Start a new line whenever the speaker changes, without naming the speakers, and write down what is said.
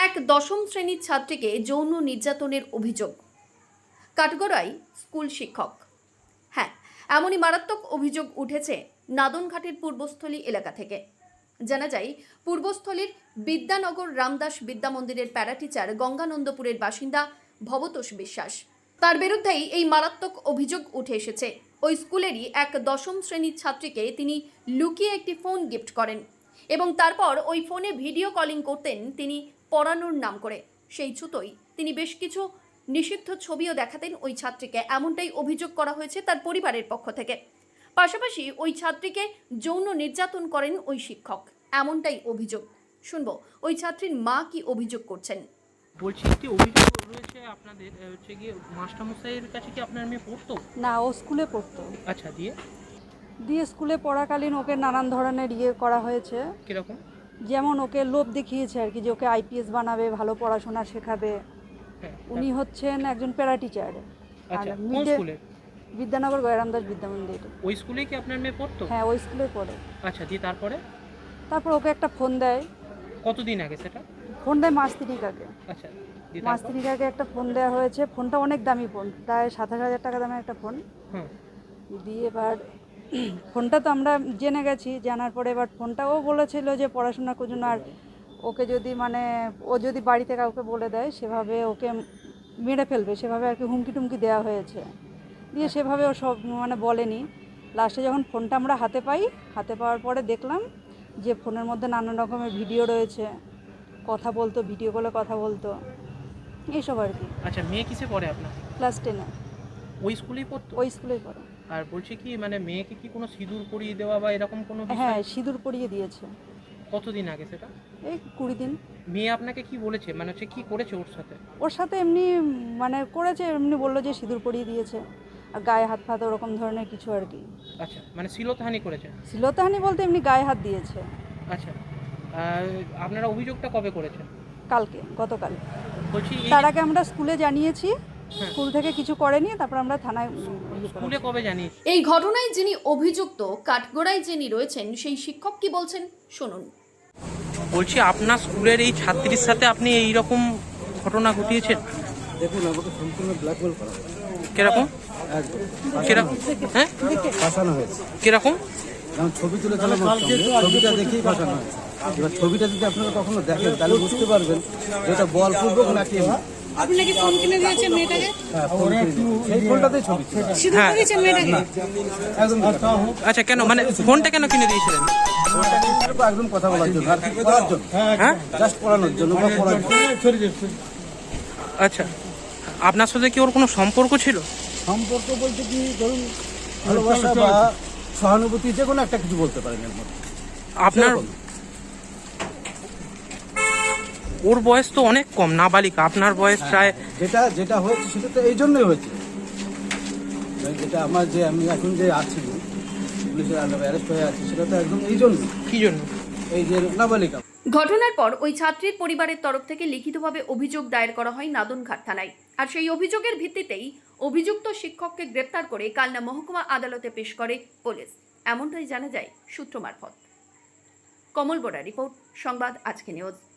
এক দশম শ্রেণীর ছাত্রীকে যৌন নির্যাতনের অভিযোগ। কাঠগড়ায় স্কুল শিক্ষক। হ্যাঁ, এমনই মারাত্মক অভিযোগ উঠেছে নাদনঘাটের পূর্বস্থলী এলাকা থেকে। জানা যায়, পূর্বস্থলীর বিদ্যানগর রামদাস বিদ্যা মন্দিরের প্যারাটিচার গঙ্গানন্দপুরের বাসিন্দা ভবতোষ বিশ্বাস। তার বিরুদ্ধেই এই মারাত্মক অভিযোগ উঠে এসেছে। ওই স্কুলেরই এক দশম শ্রেণীর ছাত্রীকে তিনি লুকিয়ে একটি ফোন গিফট করেন এবং তারপর ওই ফোনে ভিডিও কলিং করতেন তিনি পড়ানোর নাম করে। সেই ছুতোই তিনি বেশ কিছু নিষিদ্ধ ছবিও দেখাতেন ওই ছাত্রীকে, এমনটাই অভিযোগ করা হয়েছে তার পরিবারের পক্ষ থেকে। পাশাপাশি ওই ছাত্রীকে যৌন নির্যাতন করেন ওই শিক্ষক, এমনটাই অভিযোগ। শুনবো ওই ছাত্রীর মা কি অভিযোগ করছেন।
বলছি, একটি অভিযোগ রয়েছে আপনাদের হচ্ছে গিয়ে মাস্টারমশাইয়ের কাছে কি আপনার মেয়ে পড়তো?
না, ও স্কুলে পড়তো।
আচ্ছা, দিয়ে
দিয়ে স্কুলে পড়াকালীন ওকে নানান ধরনের করা হয়েছে।
কিরকম?
যেমন ওকে লোভ দেখিয়েছে আর কি, যে ওকে আইপিএস বানাবে, ভালো পড়াশোনা শেখাবে।
হ্যাঁ,
উনি হচ্ছেন একজন প্যারা টিচার।
আচ্ছা, কোন স্কুলে?
বিদ্যানগর রামদাস বিদ্যা মন্দির।
ওই স্কুলেই কি আপনার মেয়ে পড়তো?
হ্যাঁ, ওই স্কুলে পড়ে।
আচ্ছা, দিয়ে
তারপর ওকে একটা ফোন দেয়।
কতদিন আগে সেটা?
ফোন দেয় মাস 3 আগে।
আচ্ছা, দিয়ে
মাস 3 আগে একটা ফোন দেওয়া হয়েছে। ফোনটা অনেক দামি ফোন, প্রায় 27,000 টাকা দামের একটা ফোন।
হুম,
দিয়ে এবার ফোনটা তো আমরা জেনে গেছি, জানার পরে এবার ফোনটাও বলেছিল যে পড়াশোনার জন্য, আর ওকে যদি ও যদি বাড়িতে কাউকে বলে দেয় সেভাবে ওকে মেরে ফেলবে, সেভাবে আর কি হুমকি টুমকি দেওয়া হয়েছে। দিয়ে সেভাবে ও সব বলেনি। লাস্টে যখন ফোনটা আমরা হাতে পাওয়ার পরে দেখলাম যে ফোনের মধ্যে নানান রকমের ভিডিও রয়েছে, কথা বলতো, ভিডিও কলে কথা বলতো, এইসব আর কি।
আচ্ছা, মেয়ে কিসে পড়ে আপনার?
ক্লাস 10-এ।
ওই স্কুলেই পড়তো?
ওই স্কুলেই পড়ে।
আর বলছি কি, মেয়েকে কি কোনো সিঁদুর পরিয়ে দেওয়া বা এরকম কোনো বিষয়?
হ্যাঁ, সিঁদুর পরিয়ে দিয়েছে।
কতদিন আগে সেটা?
এই 20 দিন।
মেয়ে আপনাকে কি বলেছে, হচ্ছে কি করেছে ওর সাথে?
ওর সাথে এমনি করেছে, এমনি বললো যে সিঁদুর পরিয়ে দিয়েছে, আর গায়ে হাত ফাত ওরকম ধরনের কিছু আর কি।
আচ্ছা, শ্লীলতাহানি করেছে?
শ্লীলতাহানি বলতে এমনি গায়ে হাত দিয়েছে।
আচ্ছা, আপনারা অভিযোগটা কবে করেছেন?
গতকাল।
বলছি,
তার আগে আমরা স্কুলে জানিয়েছি, স্কুল থেকে কিছু করেনি, তারপর আমরা থানায়।
স্কুলে কবে জানিয়েছি?
এই ঘটনায় যিনি অভিযুক্ত, কাঠগড়ায় যিনি রয়েছেন, সেই শিক্ষক কি বলছেন শুনুন।
বলছি, আপনার স্কুলের এই ছাত্রীর সাথে আপনি এই রকম ঘটনা ঘটিয়েছেন?
দেখুন, আমাকে সম্পূর্ণ ব্ল্যাকমেল করা হয়েছে।
কিরকম?
একদম
কিরকম? হ্যাঁ,
ফাঁসানো হয়েছে।
কিরকম?
যেমন ছবি তুলেছিলাম, ছবিটা দেখেই ফাঁসানো হয়েছে। এবার ছবিটা যদি আপনারা কখনো দেখেন তাহলে বুঝতে পারবেন এটা বলপূর্বক নাকি
আপনি নাকি ফোন কিনে দিয়েছেন মেয়েটাকে?
হ্যাঁ, সেই ফোনটাতেই ছবি ছিল।
সিঁদুর পরিয়েছেন মেয়েটাকে?
একদম
আচ্ছা, কেন ফোনটা কেন কিনে দিয়েছিলেন?
একদম কথা বলার জন্য, আর কি পড়ার জন্য,
হ্যাঁ,
জাস্ট পড়ানোর জন্য বা পড়ার জন্য।
আচ্ছা, আপনার সাথে কি ওর কোনো সম্পর্ক ছিল?
সম্পর্ক বলতে কি, ধরুন ভালোবাসা বা সহানুভূতি, যে কোনো একটা কিছু বলতে পারেন এর মধ্যে।
আপনার ওর বয়স তো অনেক কম, নাবালিকা। আপনার বয়স প্রায়।
যেটা হয়েছে সেটা তো এই জন্যই হয়েছে, যেটা আমি এখন যে আছি, পুলিশের আন্ডারে অ্যারেস্ট হয়ে আছি, সেটা তো একদম এই জন্য।
কি জন্য?
এই যে নাবালিকা।
ঘটনার পর ওই ছাত্রীর পরিবারের তরফ থেকে লিখিতভাবে অভিযোগ দায়ের করা হয় নাদনঘাট থানায়। আর সেই অভিযোগের ভিত্তিতেই অভিযুক্ত শিক্ষককে গ্রেপ্তার করে কালনা মহকুমা আদালতে পেশ করে পুলিশ, এমনটাই জানা যায় সূত্র মারফত। কমল বোরা রিপোর্ট, সংবাদ আজকে নিউজ।